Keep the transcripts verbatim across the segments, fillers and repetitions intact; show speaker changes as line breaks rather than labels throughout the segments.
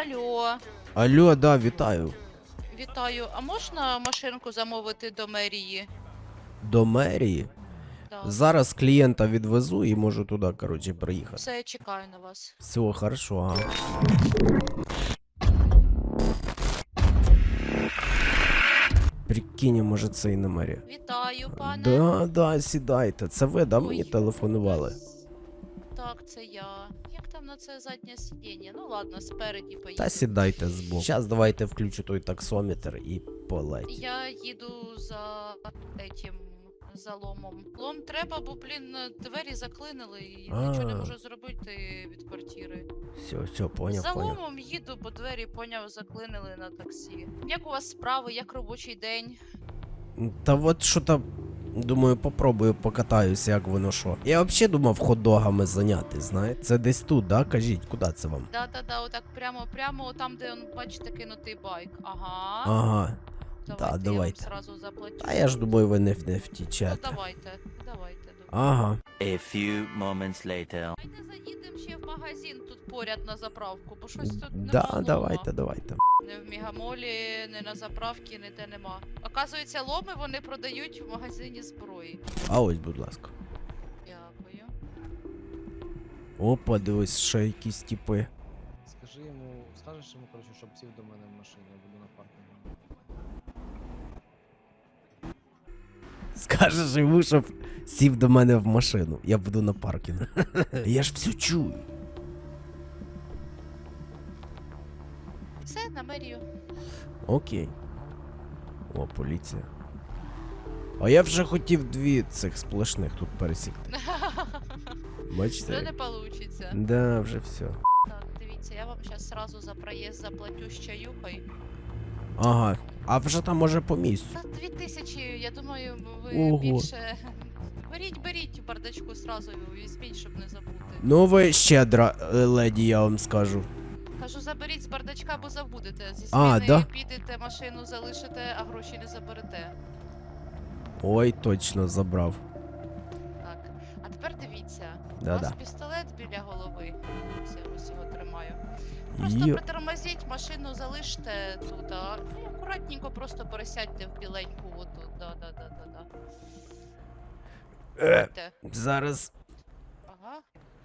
Алло,
Алло, да, вітаю.
вітаю. А можна машинку замовити до мерії?
До мерії.
Да.
Зараз клієнта відвезу і можу туди, коротше, приїхати.
Все, я чекаю на вас.
Все, хорошо, ага. Прикинь, може це і не мерія.
Вітаю, пане.
Да, да, сідайте. Це ви, да, мені
Ой,
телефонували?
нас- Так, це я. Як там на це заднє сидіння? Ну ладно, спереді поїду.
Та сідайте збоку. Зараз давайте включу той таксометр і полеть.
Я їду за этим заломом. Лом треба, бо, блін, двері заклинили і
А.
нічого не можу зробити від квартири.
Все, все, поняв,
За
поняв.
ломом їду, бо двері, поняв, заклинили на таксі. Як у вас справи, як робочий день?
Та от що там, думаю, попробую покатаюся, як воно що. Я взагалі думав хот-догами зайняти, знаєте. Це десь тут, да? Кажіть, куди це вам?
Да-да-да, отак прямо, прямо там, де, он, бачите, кинутий байк. Ага.
Ага.
Давайте,
да, давайте.
я вам сразу заплатю.
А я ж думаю, ви не, не
Ну,
втічете.
давайте, давайте. добре.
Ага.
A few moments later.
Давайте заїдемо ще в магазин тут поряд на заправку, бо щось тут нема
Да,
лома.
давайте, давайте.
Не в Мігамолі, не на заправці, ніде нема. Оказується, ломи вони продають в магазині зброї.
А ось, будь ласка.
Дякую.
Опа, дивись, ще якісь типи.
Скажи йому, скажеш йому, коротше, щоб сів до мене в машині, я буду на паркінгу.
Скажеш йому, щоб сів до мене в машину. Я буду на паркінгу. Я ж все чую.
Все, на мерію.
Окей. О, поліція. А я вже хотів дві цих сплошних тут пересікти.
Це
Бачите?
не получиться.
Да, вже все.
Так, дивіться, я вам зараз сразу за проїзд заплатю з чаюхою.
Ага. А вже там може по місцю.
За дві тисячі, я думаю, ви
Ого.
більше. Беріть, беріть в бардачку сразу візьміть, щоб не забути.
Ну ви щедра, е, леді, я вам скажу.
Кажу, заберіть з бардачка, бо забудете. Зі
А,
зміни
да?
підете, машину залишите, а гроші не заберете.
Ой, точно забрав.
Так. А тепер дивіться. У
Да-да.
вас пістолет біля голови. Ось я ось його тримаю. Просто
Йо.
притормозіть, машину залиште тут, а і акуратненько просто пересядьте в біленьку отут. Да, да, да, да, да.
Е,
Те.
зараз.
Ага.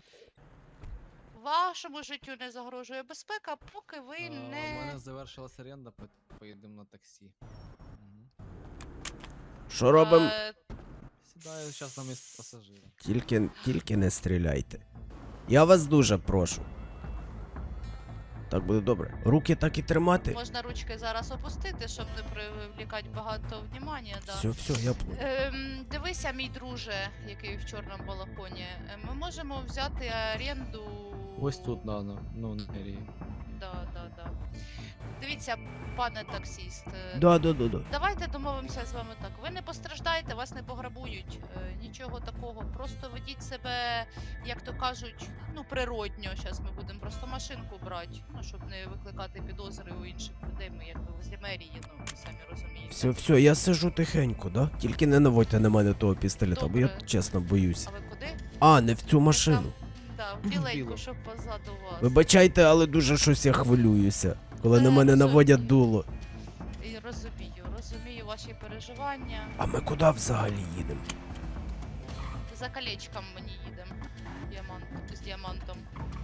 Вашому життю не загрожує безпека, поки ви
А, У
не.
мене завершилась оренда, по- поїдемо на таксі. Угу.
Що робимо?
Е,
Сідаю зараз на місце пасажира.
Тільки, тільки не стріляйте. Я вас дуже прошу. Так буде добре. Руки так і тримати.
Можна ручки зараз опустити, щоб не привлікати багато внимання. Да.
Все, все, я плу.
Ем, дивися, мій друже, який в чорному балахоні. Е, Ми можемо взяти оренду.
Ось тут, да, на, ну, на мерії.
Да, да, да. Дивіться, пане таксіст. е,
Да, да, да, да.
Давайте домовимося з вами так. Ви не постраждаєте, вас не пограбують. Е, нічого такого. Просто ведіть себе, як то кажуть, ну, природньо. Зараз ми будемо просто машинку брати, ну, щоб не викликати підозри у інших людей. Ми якби в мерії, ну, ви самі розумієте.
Все, все, я сижу тихенько, да? Тільки не наводьте на мене того пістолета, бо я
Добре.
чесно боюсь.
А ви куди?
А, не в цю машину.
Да, в біленьку,
Білу.
щоб позаду вас.
Вибачайте, але дуже щось я хвилююся, коли на
Та,
мене
розумію.
наводять дуло.
І розумію, розумію ваші переживання.
А ми куди взагалі їдемо?
За колечком мені їдемо. Діамант, з діамантом.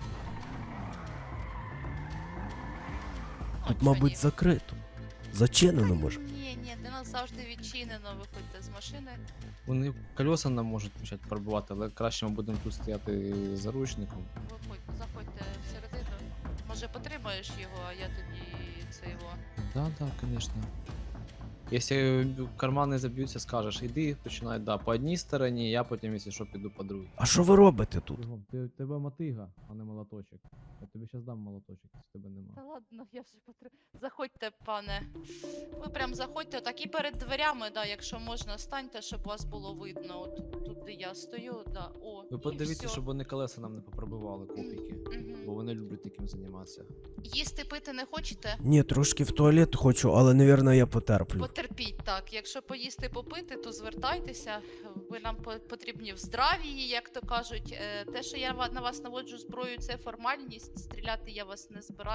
Тут,
От
мабуть,
мені.
закрито. Зачинено може.
Ні, ні, для нас завжди відчинено, виходьте з машини.
Вони колеса нам можуть почати пробувати, але краще ми будемо тут стояти заручником.
Виходьте, заходьте всередину. Може потримаєш його, а я тоді це його.
Да, да, конечно. Якщо кармани заб'ються, скажеш, іди, починай, да, по одній стороні, я потім, якщо що, піду по другій.
А що ви робите тут?
Ти, тебе мотига, а не молоточок. Я тобі зараз дам молоточок, якщо тебе нема.
Та ладно, я вже потр... Заходьте, пане. Ви прям заходьте, так і перед дверями, да, якщо можна, станьте, щоб вас було видно. От тут, де я стою, да. О,
Ви
і
подивіться,
всьо.
щоб вони колеса нам не попробивали, копійки.
Мгм.
Бо вони люблять таким займатися.
Їсти пити не хочете?
Ні, трошки в туалет хочу, але, навірно, я потерплю.
Потерпіть, так. Якщо поїсти попити, то звертайтеся. Ви нам по- потрібні в здравії, як то кажуть. Е, Те, що я ва- на вас наводжу зброю, це формальність. Стріляти я вас не збираюся, але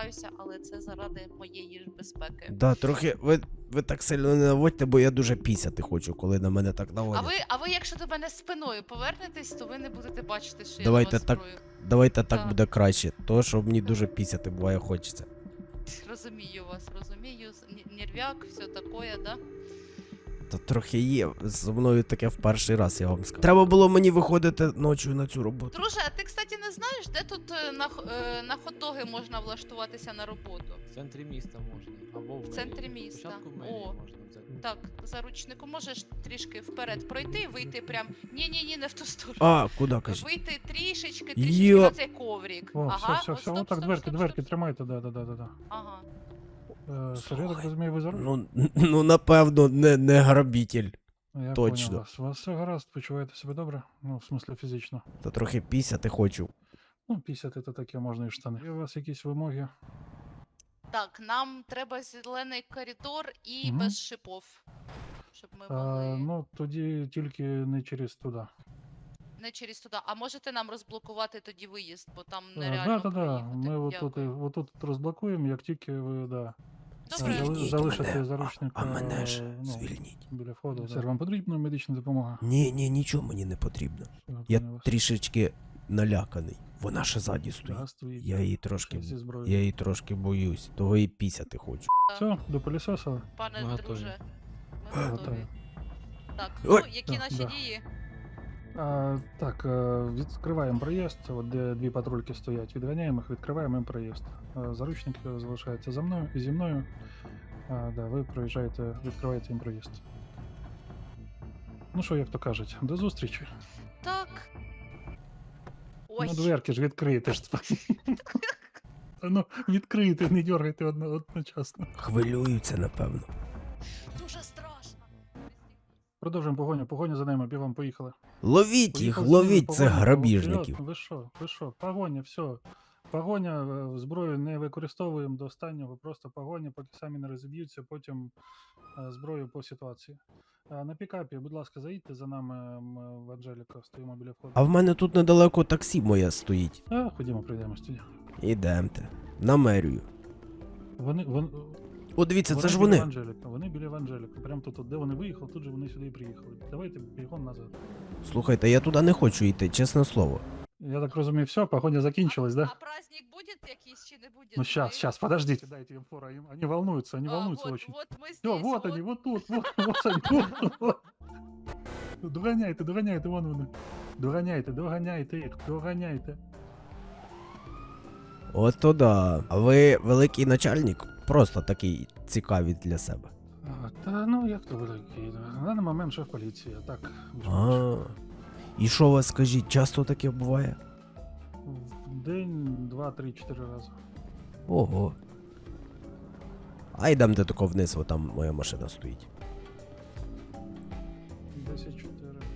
але це заради моєї ж безпеки.
Да, трохи. Ви, ви так сильно не наводьте, бо я дуже пісяти хочу, коли на мене так
А
наводять.
ви, а ви, якщо до мене спиною повернетесь, то ви не будете бачити, що
Давайте
я на вас
так.
зброю.
Давайте так
Так.
буде краще. То, що мені дуже пісяти буває хочеться.
Розумію вас, розумію. з- н- Нервяк, все таке, да?
Та трохи є. Зі мною таке в перший раз, я вам скажу. Треба було мені виходити ночі на цю роботу.
Друже, а ти, кстати, не знаєш, де тут е, на, х- е, на хот-доги можна влаштуватися на роботу?
В центрі міста можна. Або в,
В
мерії.
центрі міста.
Спочатку в мерії
О.
можна взяти.
Так, заручнику, можеш трішки вперед пройти, вийти прям. Ні-ні-ні, не в ту сторону.
А, куди кажіть?
Вийти трішечки, трішечки
Йо.
на цей коврик.
О,
ага,
все, все,
от
все,
стоп,
отак,
стоп,
дверки,
стоп,
дверки
стоп.
тримайте, да, да, да, да, да.
Ага.
Е, Сергій, я так
Слухай,
розумію, ви за руль?
Ну, ну напевно, не, не грабитель.
Я
точно.
понял вас. У вас все гаразд, почуваєте себе добре? Ну, в смислі фізично.
Та трохи пісяти хочу.
Ну, пісяти то таке можна і в штани. Є у вас якісь вимоги?
Так, нам треба зелений коридор і
Мгм.
без шипов. Щоб ми
А,
могли.
ну, тоді тільки не через туди.
Не через туди. А можете нам розблокувати тоді виїзд, бо там
Так,
нереально
да, да, да.
проїхати.
Ми отут,
Дякую.
отут розблокуємо, як тільки ви, да.
Добре.
Зали-
Звільніть
залишите
мене.
заручника,
А мене ж
ну,
звільніть.
біля входу. Сер, вам потрібна медична допомога?
Ні, ні, нічого мені не потрібно.
Все,
Я
понял вас.
трішечки наляканий. Вона ще ззаді стоїть.
Да, стоїть.
Я її трошки.
Зі зброєю.
Я її трошки боюсь. Того і пісяти хочу.
Все, до пилісоса?
Пане
Ми готові.
друже, ми
Ми
готові.
готові.
Так,
Ой.
ну які
Да,
наші
да.
дії?
А, так, е, відкриваємо проїзд, от де дві патрульки стоять, відганяємо їх, відкриваємо їм проїзд. Е, Заручник залишається за мною і зі мною. А, да, ви проїжджаєте, відкриваєте їм проїзд. Ну що, як то кажуть, до зустрічі.
Так. Ой,
Ну, дверки ж відкрийте ж. Та ну, відкрийте, не дергайте одно, одночасно.
Хвилюються, напевно.
дуже страшно.
Продовжуємо погоню, погоню за ними, бігом, поїхали.
Ловіть їх,
Поїхали за ними,
ловіть цих
погоня,
грабіжників.
вперед. Ви що, ви що, погоня, все. Погоня, е, зброю не використовуємо до останнього, просто погоня, поки самі не розіб'ються, потім е, зброю по ситуації. Е, На пікапі, будь ласка, заїдьте за нами м, в Анжеліка, стоїмо біля входу.
А в мене тут недалеко таксі моє стоїть.
А, ходімо, прийдемо тоді.
Ідемте. На мерію.
Вони, вони,
О, дивіться, це ж
біля
вони.
Анжеліка, вони біля Анжеліка. Прямо тут, от, де вони виїхали, тут же вони сюди і приїхали. Давайте бігом назад.
Слухайте, я туди не хочу йти, чесне слово.
Я так розумію, все, погоня закінчилась, да?
А праздник буде якийсь чи не буде?
Ну сейчас, сейчас, подождите, дайте им фору. им- Они волнуются, они волнуются
вот,
очень.
Вот мы здесь.
Все, вот они, вот тут, вот, вот они. Вот, вот. Доганяйте, доганяйте, вон вони. Доганяйте, доганяйте їх, доганяйте.
От то да. А ви великий начальник? Просто такий цікавий для себе.
А, та ну як то великий. На даний момент шеф поліції, а так. більш-менш.
А. І що у вас скажіть, часто таке буває?
В день, два, три, чотири рази.
Ого. А йдемте тако вниз, бо там моя машина стоїть.
десять, чотири.